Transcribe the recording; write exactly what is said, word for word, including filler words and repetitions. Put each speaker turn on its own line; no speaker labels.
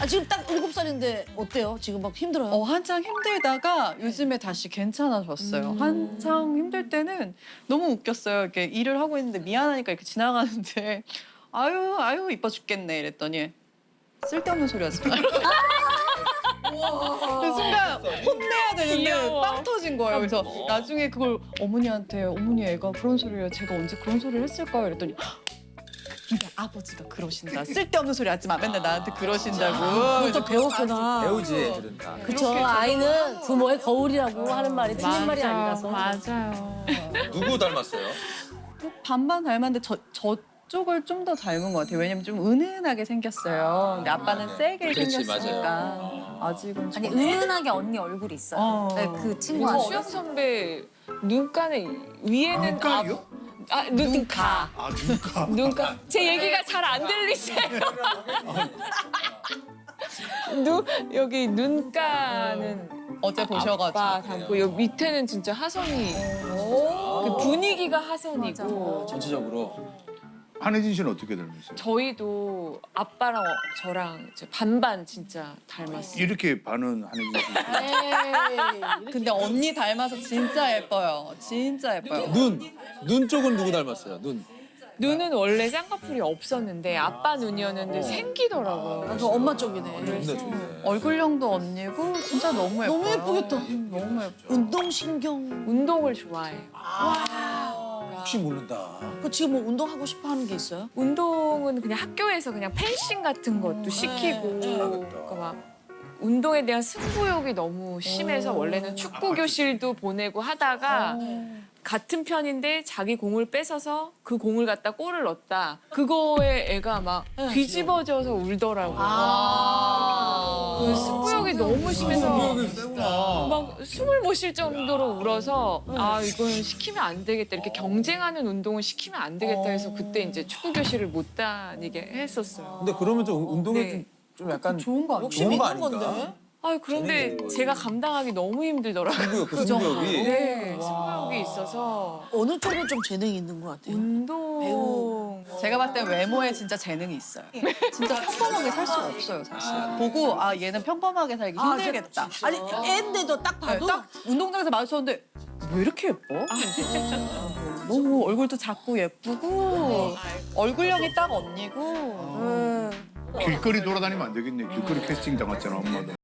아 지금 딱 일곱 살인데 어때요? 지금 막 힘들어요?
어, 한창 힘들다가 요즘에 다시 괜찮아졌어요.
음.
한창 힘들 때는 너무 웃겼어요. 이렇게 일을 하고 있는데 미안하니까 이렇게 지나가는데 아유 아유 이뻐 죽겠네 이랬더니 쓸데없는 소리 하지 마. 그 순간 혼내야 되는데
귀여워.
빵 터진 거예요. 그래서 나중에 그걸 어머니한테 어머니 애가 그런 소리를 제가 언제 그런 소리를 했을까요? 이랬더니 근데 아버지가 그러신다. 쓸데없는 소리 하지 마. 맨날 나한테 그러신다고.
그것도 배웠구나.
배우지 애들은 다.
그쵸. 아이는 부모의 거울이라고 하는 말이 틀린 말이
맞아,
아니라서.
맞아요.
누구 닮았어요?
반반 닮았는데 저, 저쪽을 좀 더 닮은 것 같아요. 왜냐면 좀 은은하게 생겼어요. 근데 아빠는
네.
세게
그렇지,
생겼으니까
맞아요.
아직은
아니
좀-
은은하게 언니 얼굴이 있어요.
어.
네, 그 친구한테.
수영 선배 눈가는 위에는
눈가요?
아, 아 눈, 눈가.
아 눈가.
눈가. 제 얘기가 잘 안 들리세요? 눈 여기 눈가는
어제 보셔가지고
아빠 닮고 여기 밑에는 진짜 하선이. 그 분위기가 하선이고.
전체적으로.
한혜진 씨는 어떻게 닮으세요?
저희도 아빠랑 어- 저랑 이제 반반 진짜 닮았어요.
이렇게 반은 한혜진 씨.
에이,
근데 언니 닮아서 진짜 예뻐요. 진짜 예뻐요.
눈. 눈 쪽은 누구 닮았어요? 눈.
눈은 원래 쌍꺼풀이 없었는데 아빠 눈이었는데 생기더라고요.
나도 엄마 쪽이네.
좋네 좋네.
얼굴형도 언니고 진짜 너무 예뻐요.
너무 예쁘겠다.
음, 너무 예뻐.
운동신경.
운동을 좋아해요.
혹시 모른다.
그 지금 뭐 운동하고 싶어 하는 게 있어요?
운동은 그냥 학교에서 그냥 펜싱 같은 것도 시키고 그러니까 막 운동에 대한 승부욕이 너무 심해서 원래는 축구 교실도 보내고 하다가 같은 편인데 자기 공을 뺏어서 그 공을 갖다 골을 넣었다. 그거에 애가 막 뒤집어져서 울더라고요. 그 승부욕이 너무 심해서 막 숨을 못 쉴 정도로 울어서 아 이건 시키면 안 되겠다 이렇게 경쟁하는 운동을 시키면 안 되겠다 해서 그때 이제 축구 교실을 못 다니게 했었어요.
근데 그러면 좀 운동에
네.
좀, 좀 약간
좋은 거 아니에요?
좋은 거
있는
아닌가?
건데.
아 그런데 제가 감당하기 너무 힘들더라고요.
승부욕 그 승부욕이.
네, 승부욕이 있어서
어느 쪽은 좀 재능이 있는 것 같아요?
운동
배우.
제가 봤을 때 외모에 진짜 재능이 있어요. 진짜 평범하게 살 수가 없어요, 사실. 보고 아 얘는 평범하게 살기 힘들겠다.
아니 애인데도 딱
네,
봐도
딱 운동장에서 마주쳤는데 왜 이렇게 예뻐? 너무 얼굴도 작고 예쁘고 얼굴형이 딱 언니고
음.
길거리 돌아다니면 안 되겠네. 길거리 캐스팅 당했잖아 엄마도.